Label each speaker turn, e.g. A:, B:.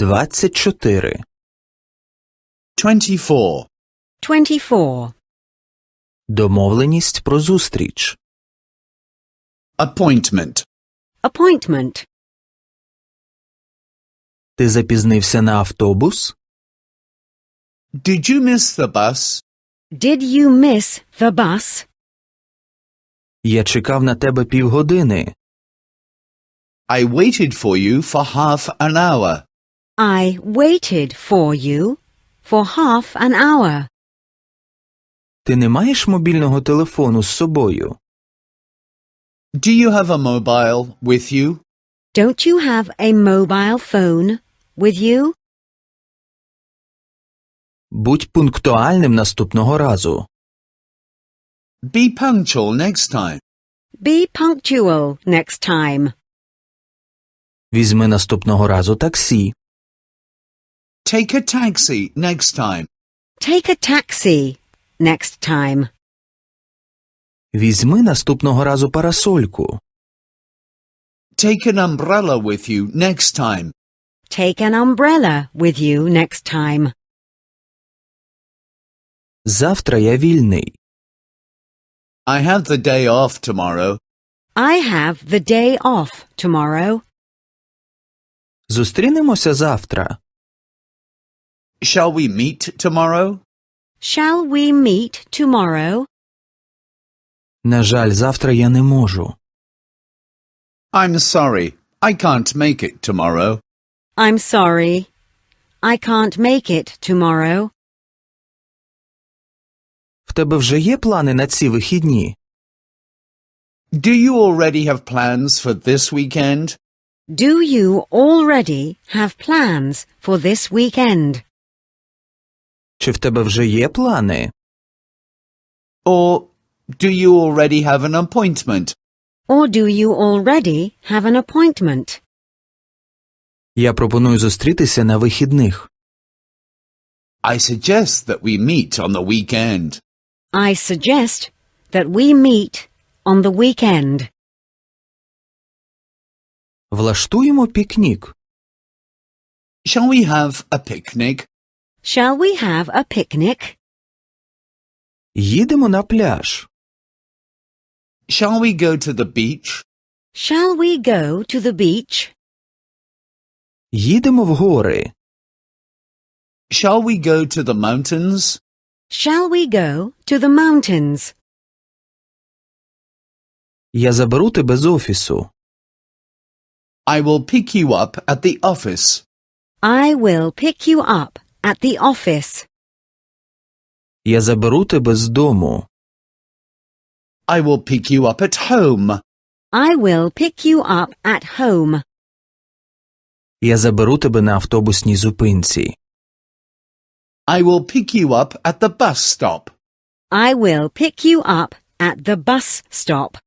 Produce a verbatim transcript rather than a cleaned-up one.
A: двадцять чотири.
B: twenty-four.
C: twenty-four.
A: Домовленість про зустріч.
B: Appointment.
C: Appointment.
A: Ти запізнився на автобус?
B: Did you miss the bus?
C: Did you miss the bus?
A: Я чекав на тебе півгодини.
B: I waited for you for half an hour.
C: I waited for you for half an hour.
A: Ти не маєш мобільного телефону з собою?
B: Do you have a mobile with you?
C: Don't you have a mobile phone with you?
A: Будь пунктуальним наступного разу.
B: Be punctual next time.
C: Be punctual next time.
A: Візьми наступного разу таксі.
B: Take a taxi next time.
C: Take a taxi next time.
A: Візьми наступного разу парасольку.
B: Take an umbrella with you next time.
C: Take an umbrella with you next time.
A: Завтра я вільний.
B: I have the day off tomorrow.
C: I have the day off tomorrow.
A: Зустрінемося завтра.
B: Shall we meet tomorrow?
C: Shall we meet tomorrow?
A: На жаль, завтра я не можу.
B: I'm sorry. I can't make it tomorrow.
C: I'm sorry. I can't make it tomorrow.
A: В тебе вже є плани на ці вихідні?
B: Do you already have plans for this weekend?
C: Do you already have plans for this weekend?
A: Чи в тебе вже є плани?
B: Or do you already have an appointment?
C: Or do you already have an appointment?
A: Я пропоную зустрітися на вихідних.
B: I suggest that we meet on the weekend.
C: I suggest that we meet on the weekend.
A: Влаштуємо пікнік.
B: Shall we have a picnic?
C: Shall we have a picnic?
A: Їдемо на пляж.
B: Shall we go to the beach?
C: Shall we go to the beach?
A: Їдемо в гори.
B: Shall we go to the mountains?
C: Shall we go to the mountains?
A: Я заберу тебе з офісу.
B: I will pick you up at the office.
C: I will pick you up at the office.
A: Я заберу тебе з дому.
B: I will pick you up at home.
C: I will pick you up at home.
A: Я заберу тебе на автобусній зупинці.
B: I will pick you up at the bus stop.
C: I will pick you up at the bus stop.